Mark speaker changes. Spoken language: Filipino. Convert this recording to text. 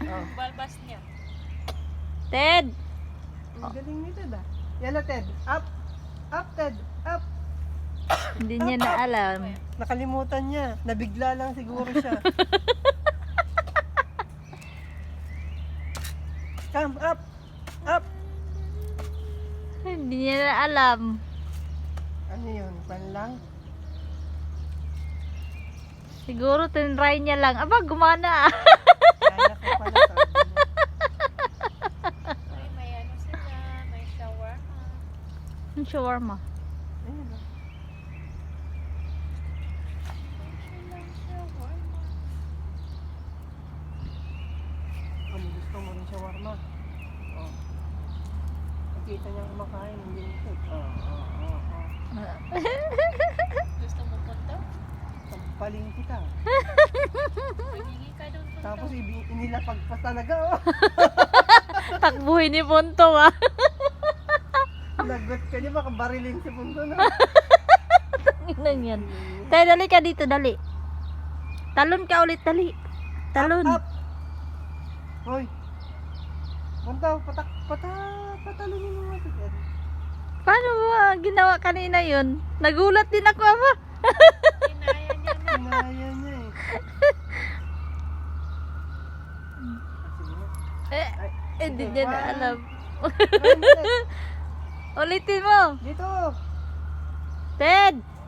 Speaker 1: Oh.
Speaker 2: Balbas niya.
Speaker 3: Ted!
Speaker 1: Ang galing ni Ted ah. Yan na Ted. Up. Up Ted. Up.
Speaker 3: Hindi niya na alam.
Speaker 1: Nakalimutan niya. Nabigla lang siguro siya. Come up. Up.
Speaker 3: Hindi niya na alam.
Speaker 1: Ano yun? Pan lang?
Speaker 3: Siguro tinry niya lang. Aba, gumana ah.
Speaker 1: Kaya ko pala sabi niya.
Speaker 2: Ay, may ano sila. May shawarma.
Speaker 3: Ang shawarma.
Speaker 1: Ayun ah.
Speaker 2: Silang shawarma.
Speaker 1: Ano gusto mo rin shawarma? Oh. Nakita niya kumakain. Hindi ito. Oh.
Speaker 2: Gusto mo punta?
Speaker 1: Sampaling kita.
Speaker 2: Paghingi ka doon punta.
Speaker 1: Tapos inilapag pa talaga oh.
Speaker 3: Takbuhin ni Punto ah.
Speaker 1: Nagot ka niya baka barilin si Punto na.
Speaker 3: Inan yan. Tayo, dali ka dito, dali. Talon ka ulit, dali. Talon.
Speaker 1: Up. Hoy. Punto, patalunin mo nga si Ted.
Speaker 3: Paano ba ginawa kanina yun? Nagulat din ako, ama.
Speaker 2: Kinaya niya na.
Speaker 1: Kinaya niya eh. Sige na. Ay,
Speaker 3: Hindi
Speaker 1: sige,
Speaker 3: niya na
Speaker 1: one.
Speaker 3: alam.
Speaker 1: Try mo, Ted.
Speaker 3: Ulitin mo.
Speaker 1: Dito.
Speaker 3: Ted!